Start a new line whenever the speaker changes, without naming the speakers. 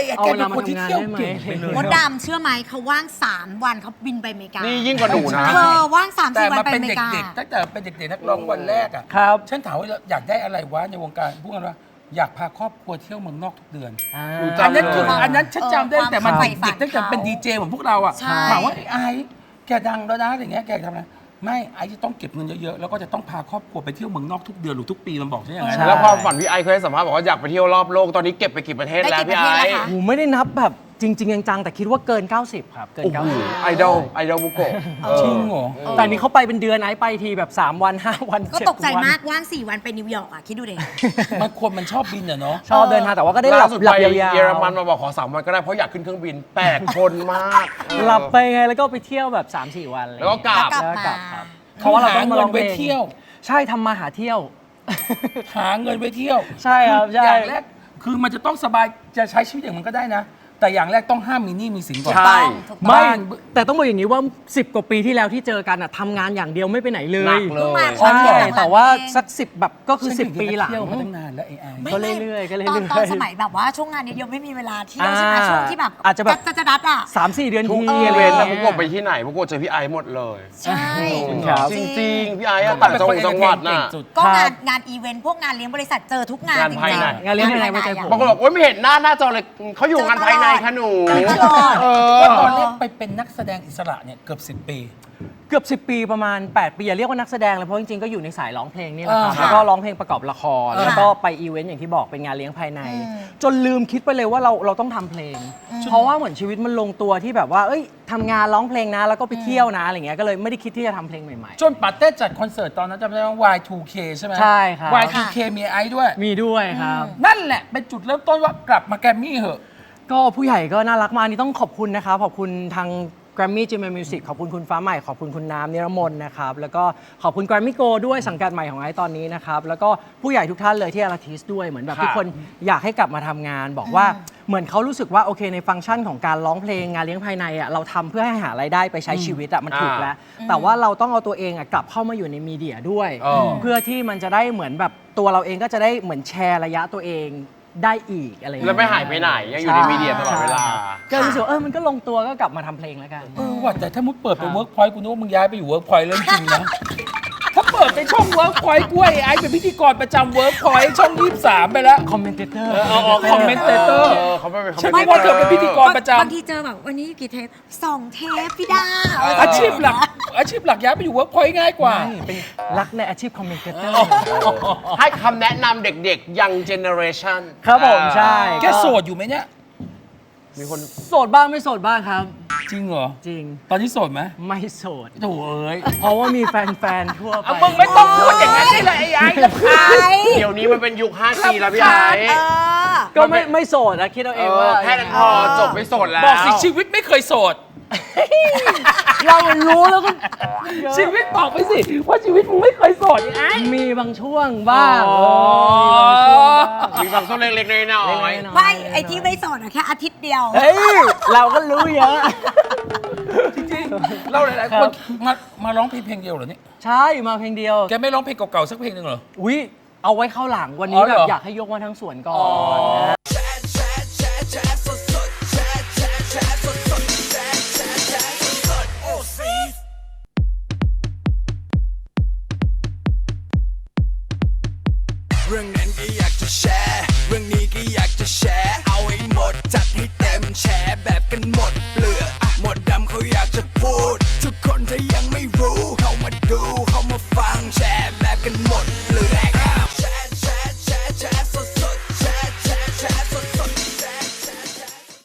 แกเป็นคนที่เที่ยวเก่งไปเลย
มดดำเชื่อไหมเขาว่าง3 วันเขาบินไปอเมริกา
นี่ยิ่งกว่าหนูนะ
เธอว่าง3-4
แต่
วัน
มา
ไป
เป็
อน เมริกา
เด็กๆตั้งแต่เป็นเด็กๆนักร้องวันแรกอ่ะ
ครับ
ฉันถามว่าอยากได้อะไรวะในวงการพูดกันว่าอยากพาครอบครัวเที่ยวเมืองนอกทุกเดือน อันนั้นคืออันนั้นฉันจำได้แต่มันเด็กๆตั้งแต่เป็นดีเจเหมือนพวกเราอ่ะ
ใช่
ถามว่าไอ้แกดังแล้วนะอะไรเงี้ยแกทำอะไรไม่ไอ้จะต้องเก็บเงินเยอะๆแล้วก็จะต้องพาครอบครัวไปเที่ยวเมืองนอกทุกเดือนหรือทุกปีมันบอกใช่ยังไง
ใช่
แล้วความฝันพี่ไอเคยให้สัมภาษณ์บอกว่าอยากไปเที่ยวรอบโลกตอนนี้เก็บไปกี่ประเทศ
ได้
แล้ว
กี่
พี่
ประ
ไอ
เทศแล้วคะ
โอ้ไม่ได้นับแบบจริงๆจังๆแต่คิดว่าเกิน 90 ครับ เกิน
โอ้โห
90
ไอดอลบุโกะ
จริงเหรอ
แต่นี่เขาไปเป็นเดือนไอ้ไปทีแบบ 3 วัน 5 วัน
ก็
7
ตกใจ
วัน
มากว่าง4 วันไปนิวยอร์กอ่ะคิดดูดิ
มันชอบบินอะเนาะ
ชอบเดินทางแต่ว่าก็ได้หลั
ล่า
บ
สุด
หลั
ไป
บยาวๆ
เยอรมันมาบอกขอ3 วันก็ได้เพราะอยากขึ้นเครื่องบินแปลกคนมาก
หลับไปไงแล้วก็ไปเที่ยวแบบ 3-4 วันอะไร
แล้วก็กลับ
แล้วกลับ
แล้วกลับ
มา
ครับเพราะว่าเราต้องมาลองเพล
หาเงินไว้เที่ยว
ใช่ทำมาหาเที่ยว
หาเงินไว้เที่ยว
ใช่ครับใช่
อย่างแรกคือมันจะต้องสบายจะใช้ชีวิตอย่างมันก็ได้นะ แต่อย่างแรกต้องห้ามมีหนี้มีสินก่อน
ใช่
ถูกต้อง
ไม่
บ้าน
แต่ต้องบอกอย่างนี้ว่า 10 กว่าปีที่แล้วที่เจอกันอะทำงานอย่างเดียวไม่ไปไหนเล
หนั
ย
กเลย
ใช่
หลังๆ
แต่ว่า
เอง
สัก 10 แบบก็คือ
ฉัน
10 ปีหลัง
เที่ยวมาตั้งนานแล้วไอ้
ก็เรื่อยๆก็เรื่อยๆ
ตอนสมัยแบบว่าช่วงงานเยอะๆไม่มีเวลาเที่ยวใช่ไหม
อ่า
ช่วงที่แบบ
อาจจะแบบ
จะดัดอ่ะ
3-4 เดือน
ทุก
ที
อีเวนต์นะพวกผมไปที่ไหนพวกผมเจอพี่ไอหมดเลย
ใช่
ครับ
จริงๆพี่ไออะต่างจังหวัดน่ะ
ก็งานอีเวนต์พวกงานเลี้ยงบริษัทเจอทุกงาน
งาน
จริง
ภายใน
ๆ
งานเลี้ยงภายในไม่ใช่ผม
บางคนบอกว่าไม่เห็นหน้าจอเลยเขาอยู่งานภายในค่ะหนู
ตลอด
ก็ตอนแรกไปเป็นนักแสดงอิสระเนี่ยเกือบ10 ปี
เกือบ 10 ปีประมาณ 8 ปีอย่าเรียกว่านักแสดงเลยเพราะจริงๆก็อยู่ในสายร้องเพลงนี่แหละครับ
ค่ะ
แล้วก็ร้องเพลงประกอบละคร
ค่ะ
แล้วก็ไปอีเวนต์อย่างที่บอกเป็นงานเลี้ยงภายใน
อืม
จนลืมคิดไปเลยว่าเราต้องทำเพลง เพราะว่าเหมือนชีวิตมันลงตัวที่แบบว่าเอ้ยทำงานร้องเพลงนะแล้วก็ไปเที่ยวนะอะไรเงี้ยก็เลยไม่ได้คิดที่จะทำเพลงใหม่
จนปาเต้จัดคอนเสิร์ตตอนนั้นจำได้ว่า Y2K ใช่ไหม
ใช่ครับ
Y2K มีไอซ์ด้วย
ๆ มีด้วยครับ
นั่นแหละเป็นจุดเริ่มต้นว่ากลับมาแกรมมี่เหอะ
ก็ผู้ใหญ่ก็น่ารักมากอันนี่ต้องขอบคุณนะครับขอบคุณทาง Grammy Gmail Music ขอบคุณคุณฟ้าใหม่ขอบคุณคุณน้ำนิรมนนะครับแล้วก็ขอบคุณ Grammy Go ด้วยสังกัดใหม่ของไอซ์ตอนนี้นะครับแล้วก็ผู้ใหญ่ทุกท่านเลยที่อาร์ติสด้วยเหมือนแบบ
ครับ
ทุกคนอยากให้กลับมาทำงาน บอกว่าเหมือนเขารู้สึกว่าโอเคในฟังก์ชันของการร้องเพลงงานเลี้ยงภายในอ่ะเราทำเพื่อให้หารายได้ไปใช้ชีวิตอ่ะมันถูกแล้ว แต่ว่าเราต้องเอาตัวเองอ่ะกลับเข้ามาอยู่ในมีเดียด้วย เพื่อที่มันจะได้เหมือนแบบตัวเราเองก็จะได้เหมือนแชร์ระยะตัวเองได้อีกอะไรอย่าง
แล้
เงี้
วไม่หายไปไหนยังอยู่ในมีเดียตลอดเวลา
ก็รู้สึกว่ามันก็ลงตัวก็กลับมาทำเพลงแล้วกัน
ว่าแต่ถ้ามุดเปิดเป็นเวิร์กพอยต์กูนึกว่ามึงย้ายไปอยู่เวิร์กพอยต์เรื่องจริงนะ ถ้าเปิดเป็นช่องเวิร์กพอยต์กล้วยไอ้เป็นพิธีกรประจำเวิร์กพอยต์ช่อง 23 ไปแล้ว
คอมเมนเตอร์
คอมเมนเตเตอร์
เขาไม่เป็น
ฉันนึกว่าเธอเป็นพิธีกรประจ
บางทีเจอแบบวันนี้กี่เทป2 เทปพี่ดา
ำอาชีพหลักย้ายไปอยู่เวิร์กพอยต์ง่ายกว่า
เป็นรักในอาชีพคอมเมนเตอร์
ให้คำแนะนำเด็กๆ ยังเจเนอเรชัน
ครับผมใช่
แกโสดอยู่ไหมเนี่ย
มีคน
โสดบ้างไม่โสดบ้างครับ
จริงเหรอ
จริง
ตอนนี้โสดไหม
ไม่โสด
โถ่เอ้ย
เพราะว่ามีแฟนๆทั่วไป
มึงไม่ต้องพูดอย่างนั้นได้เลยไอ้ลำคาญ
เดี๋ยวนี้มันเป็นยุค 5G แล้วพี่ไอ้
ก็ไม่โสดนะคิดเอาเองว่า
แค่นั้นพอจบไม่โสดแล้ว
บอกสิชีวิตไม่เคยโสด
เรามันรู้แล้วก็
ชีวิตบอกไปสิว่าชีวิตมึงไม่เคยโสดไอ้
มีบางช่วงบ้าง
มีบางช่วงเล็กๆน้อย
เล็กๆ
ๆ
น้อยๆ
ไม่ไอที่ไม่โสดอะแค่อาทิตย์เดียว
เฮ้ยเราก็รู้เยอะ
จริงๆเราหลายๆคนมาร้องเพลงเดียวเหรอนี่
ใช่มาเพลงเดียว
แกไม่ร้องเพลงเก่าๆสักเพลงหนึ่งเหรอ
อุ๊ยเอาไว้เข้าหลังวันนี้
อ๋อเห
แบ
รอ
บอยากให้ยกมาทั้งสวนก่อน